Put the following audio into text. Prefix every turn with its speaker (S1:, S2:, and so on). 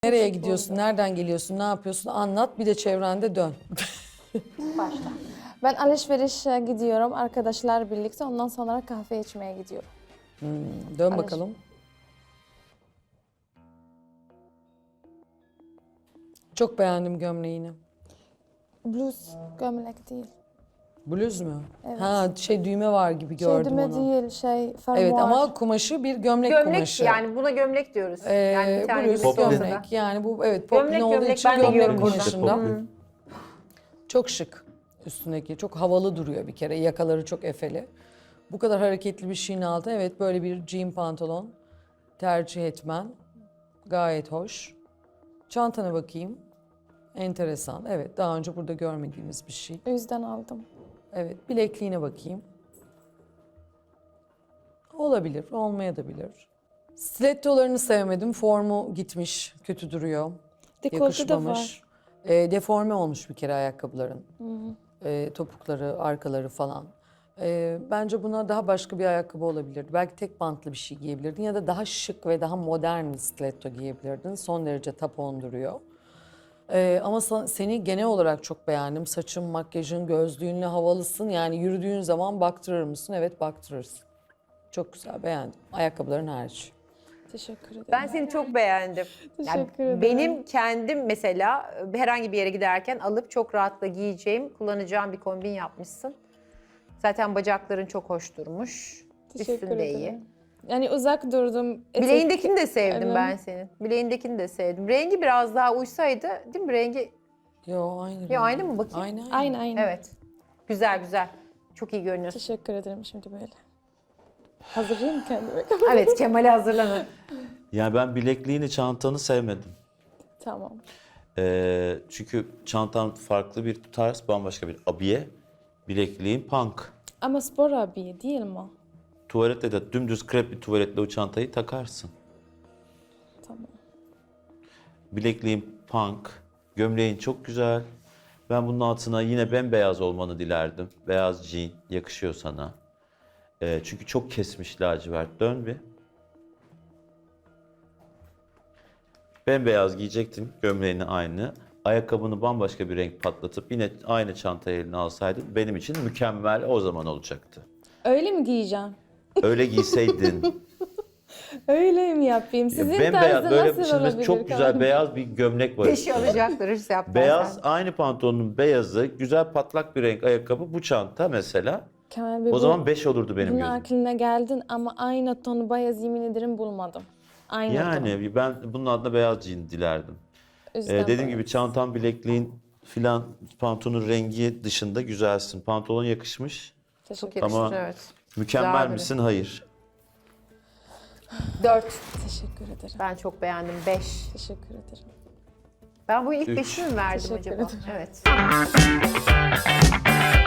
S1: Nereye gidiyorsun, nereden geliyorsun, ne yapıyorsun anlat, bir de çevrende dön.
S2: Başla.
S3: Ben alışverişe gidiyorum arkadaşlar birlikte. Ondan sonra kahve içmeye gidiyorum.
S1: Dön bakalım. Çok beğendim gömleğini.
S3: Bluz gömlek değil.
S1: Bluz mu?
S3: Evet.
S1: Ha düğme var gibi gördüm
S3: Düğme
S1: onu.
S3: değil fermuar.
S1: Evet ama kumaşı bir gömlek
S2: Gömlek
S1: kumaşı.
S2: yani buna gömlek diyoruz. Yani bir tane
S1: Bluz,
S2: gömlek olsa da.
S1: gömlek. Yani bu evet
S2: Gömlek,
S1: poplin olduğu
S2: gömlek.
S1: için
S2: Ben de
S1: gömlek
S2: giyiyorum
S1: kumaşında.
S4: Popli.
S1: Çok şık üstündeki. Çok havalı duruyor bir kere. Yakaları çok efeli. Bu kadar hareketli bir şeyin altına evet böyle bir jean pantolon tercih etmen gayet hoş. Çantana bakayım. Enteresan. Evet daha önce burada görmediğimiz bir şey.
S3: O yüzden aldım.
S1: Evet bilekliğine bakayım. Olabilir, olmayabilir. Stilettolarını sevmedim. Formu gitmiş, kötü duruyor.
S3: Dekolte de
S1: Yakışmamış.
S3: var.
S1: Deforme olmuş bir kere ayakkabıların. Topukları, arkaları falan. Bence buna daha başka bir ayakkabı olabilirdi. Belki tek bantlı bir şey giyebilirdin ya da daha şık ve daha modern bir stiletto giyebilirdin. Son derece tapon duruyor. Ama seni genel olarak çok beğendim. Saçın, makyajın, gözlüğünle havalısın. Yani yürüdüğün zaman baktırır mısın? Evet baktırırsın. Çok güzel, beğendim. Ayakkabıların hariç.
S3: Teşekkür ederim.
S2: Ben seni çok beğendim.
S3: Teşekkür ederim.
S2: Benim kendim mesela herhangi bir yere giderken alıp çok rahatla giyeceğim, kullanacağım bir kombin yapmışsın. Zaten bacakların çok hoş durmuş.
S3: Teşekkür
S2: Üstünde
S3: ederim.
S2: iyi.
S3: Yani uzak durdum.
S2: Bileğindekini de sevdim
S3: Evet.
S2: ben senin. Bileğindekini de sevdim. Rengi biraz daha uysaydı, değil mi? Rengi
S1: Yo aynı.
S2: ya aynı mı bakayım?
S1: Aynı.
S3: Aynı.
S2: Evet. Güzel güzel. Çok iyi görünüyorsun.
S3: Teşekkür ederim şimdi böyle. Hazırlayayım kendimi.
S2: Evet, Kemal'e hazırlanın.
S4: Yani ben bilekliğini, çantanı sevmedim.
S3: Tamam.
S4: Çünkü çantan farklı bir tarz, bambaşka bir abiye. Bilekliğin punk.
S3: Ama spor abiye değil mi?
S4: Tuvalette de dümdüz krep bir tuvaletle o çantayı takarsın.
S3: Tamam.
S4: Bilekliğin punk, gömleğin çok güzel. Ben bunun altına yine bembeyaz olmanı dilerdim. Beyaz jean yakışıyor sana. Çünkü çok kesmiş lacivert. Dön bir. Bembeyaz giyecektin, gömleğini aynı. Ayakkabını bambaşka bir renk patlatıp yine aynı çantayı eline alsaydın benim için mükemmel o zaman olacaktı.
S3: Öyle mi giyeceğim?
S4: Öyle giyseydin.
S3: Öyle mi yapayım? Sizin
S4: Bembeyaz
S3: tarzı
S4: böyle
S3: nasıl
S4: şimdi
S3: olabilir?
S4: çok güzel
S3: kanka?
S4: beyaz bir gömlek var.
S2: Peşi alacaklar hırs yapmazsan.
S4: Beyaz aynı pantolonun beyazı, güzel patlak bir renk ayakkabı bu çanta mesela.
S3: Kemal Bey,
S4: O zaman 5 olurdu benim
S3: bunun
S4: gözüm.
S3: aklına geldin ama aynı tonu beyaz yemin ederim bulmadım. Aynı ton.
S4: Yani ben bunun adına beyaz jean dilerdim.
S3: O yüzden
S4: Dediğim
S3: beyaz.
S4: gibi çantan, bilekliğin filan pantolonun rengi dışında güzelsin. Pantolon yakışmış.
S3: Teşekkür
S2: Çok yakışır,
S4: Ama-
S2: evet.
S4: Mükemmel
S2: Güzel
S4: misin? Hayır.
S2: 4.
S3: Teşekkür ederim.
S2: Ben çok beğendim. 5.
S3: Teşekkür ederim.
S2: Ben bu ilk
S4: Üç.
S2: 5'i mi verdim
S3: Teşekkür
S2: acaba?
S3: ederim.
S2: Evet.